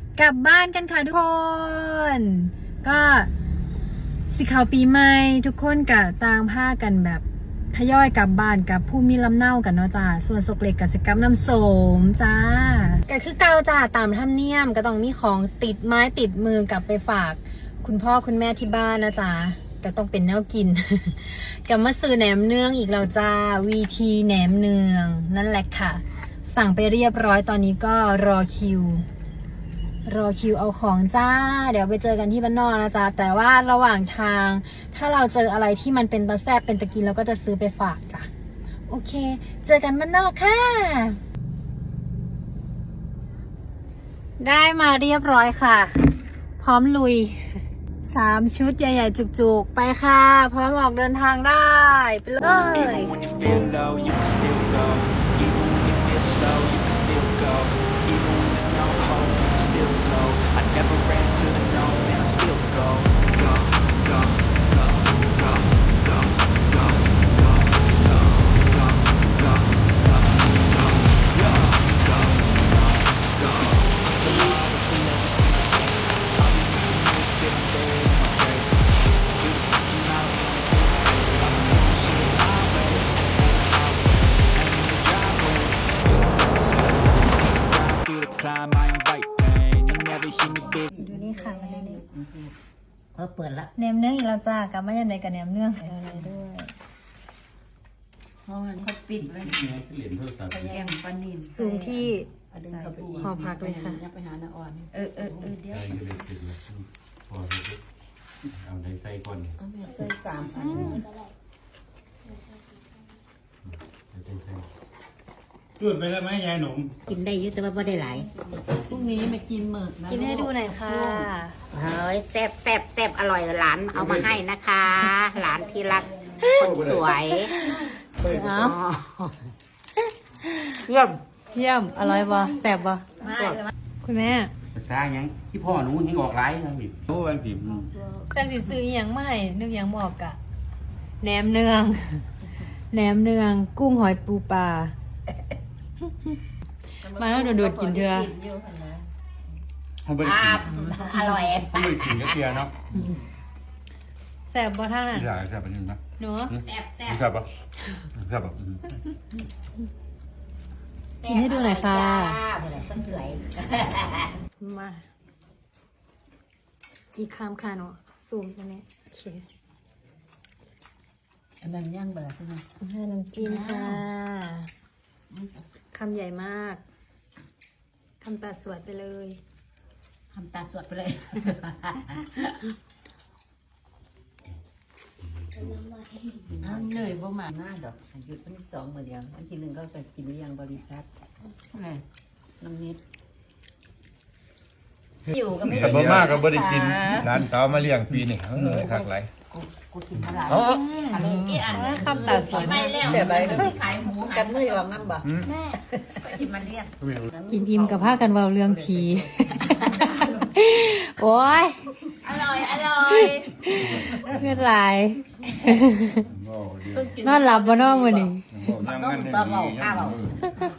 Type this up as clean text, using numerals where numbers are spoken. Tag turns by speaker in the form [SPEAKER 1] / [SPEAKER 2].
[SPEAKER 1] กลับบ้านกันค่ะทุกคน ก็สิเข้าปีใหม่ทุกคนก็ต่างพากันแบบทยอยกลับบ้านกับผู้มีลำเนากันเนาะจ้าส่วนสกเล็กกับสกรรมน้ำโสมจ้าก็คือเก่าจ้าตามธรรมเนียมก็ต้องมีของติดไม้ติดมือกลับไปฝากคุณพ่อคุณแม่ที่บ้านนะจ้าก็ต้องเป็นแนวกิน กับมาซื้อแหนมเนืองอีกแล้วจ้าวีทีแหนมเนืองนั่นแหละค่ะสั่งไปเรียบร้อยตอนนี้ก็รอคิวเอาของจ้าเดี๋ยวไปเจอกันที่บ้านนอกนะจ๊ะแต่ว่าระหว่างทางถ้าเราเจออะไรที่มันเป็นตะแซ่บเป็นตะกินเราก็จะซื้อไปฝากจ้ะโอเคเจอกันบ้านนอกค่ะได้มาเรียบร้อยค่ะพร้อมลุย3 ชุดใหญ่ๆจุกๆไปค่ะพร้อมออกเดินทางได้ไปเลย
[SPEAKER 2] I never answer to no, man, I still go, go, go, go, go, go, go, go, go, go, go, go, go, go, go. Hustle hard, hustle every single day. I'll be making moves till I'm dead in my grave. Through the system, I don't wanna be saved. I've been doing shit my way, on the highway, and in the driveway. Yes, I'm gonna sweat. Ride through the climb, I invite pain. You'll never hear me, bitch.
[SPEAKER 1] ดูนี่ค่ะมาเลย
[SPEAKER 3] เปิดละ
[SPEAKER 1] แหนมเนื้องอีกแล้วจ้ากลับมาอย่างไรกับแหนมเนื้องอะไรด้วย
[SPEAKER 3] เพราะมันเขาปิดไว้
[SPEAKER 4] ไปแย่งปลานิล
[SPEAKER 1] ซูมที่
[SPEAKER 4] เอาดึงเข้าไปอีก
[SPEAKER 1] หอพักเลยค่ะ
[SPEAKER 4] ไปหาน้าอ่อน
[SPEAKER 3] เดี๋ยว
[SPEAKER 5] ใส่ก็ได้ติดแล้วพอเอาในใส่ก่อน
[SPEAKER 4] เอาแม่ใส่3 อัน
[SPEAKER 5] ใส่จุดไปแล้วไหมยายหนุ่ม
[SPEAKER 3] กินได้เยอะแต่ว่าไม่ได้หลาย
[SPEAKER 4] พรุ่งนี้มากินหมึกนะ
[SPEAKER 1] กินให้ดูหน่อยค่ะ
[SPEAKER 3] เฮ้ยแซ่บอร่อยหลานเอามาให้นะคะ หลานที่รักคนสวย
[SPEAKER 1] เอา
[SPEAKER 3] เยี่ยม
[SPEAKER 1] เยี่ยมอร่อยบ่แซ่บบ่คุณแม่
[SPEAKER 5] ภาษาหยังที่พ่อหนูยังออกไลน์นะพี่โอ้บางที
[SPEAKER 1] จังสิซื้ออหยังมาให้นึกหยังบอกกะแหนมเนืองแหนมเนืองกุ้งหอยปูปลามาแล้วโดดๆกินเถอะ
[SPEAKER 5] เขาไม่ได้กิน
[SPEAKER 3] อร่อย
[SPEAKER 5] เขาไม่ได้กินก็เทียเนาะ
[SPEAKER 1] แซ่บบ่ท่าน
[SPEAKER 5] ที่อยากแซ่บเป็นยังไง
[SPEAKER 1] เนาะ
[SPEAKER 3] แซ่บ
[SPEAKER 5] แซ่บปะแซ่บปะ
[SPEAKER 1] กินให้ดูหน่อยค่ะ
[SPEAKER 3] คนสวย
[SPEAKER 1] มาอีกคำค่ะเนาะซูมตรงนี้โอเค
[SPEAKER 4] อันนั้นย่างเบลาใช่ไหม
[SPEAKER 1] ให้น้ำจิ้มค่ะคำใหญ่มากคำตาสวดไปเลย
[SPEAKER 3] ทำตาสวดไปเลย
[SPEAKER 4] เอาเหนื่อยบ่มาหน้าดอกอันหยุดวันที่2มื้อเดียวอันที่1ก็ไปกินเลี้ยงบริษัทน้ำนิดอยู่ก็ไม่
[SPEAKER 6] แต่บ่มากก็บ่ได้กินร้านสาวมาเลี้ยงปีนี่เหนื่อยคักหลาย
[SPEAKER 3] กูกินเท่าไหร่
[SPEAKER 4] อะไรอีอันนั้น
[SPEAKER 1] คำตาสวด
[SPEAKER 4] ไม่แล้วเสียไปที่ขายหมูกันมือออกน้ำบ่
[SPEAKER 3] กินมันเรียก
[SPEAKER 1] กินอิ่มกับผ้ากันเบาเรื่องผี โอ้ย
[SPEAKER 4] อร่อย
[SPEAKER 1] เงินไหลายนอนหลับบ่นอนมื้อนี้
[SPEAKER 6] ยังงั้นให้ดี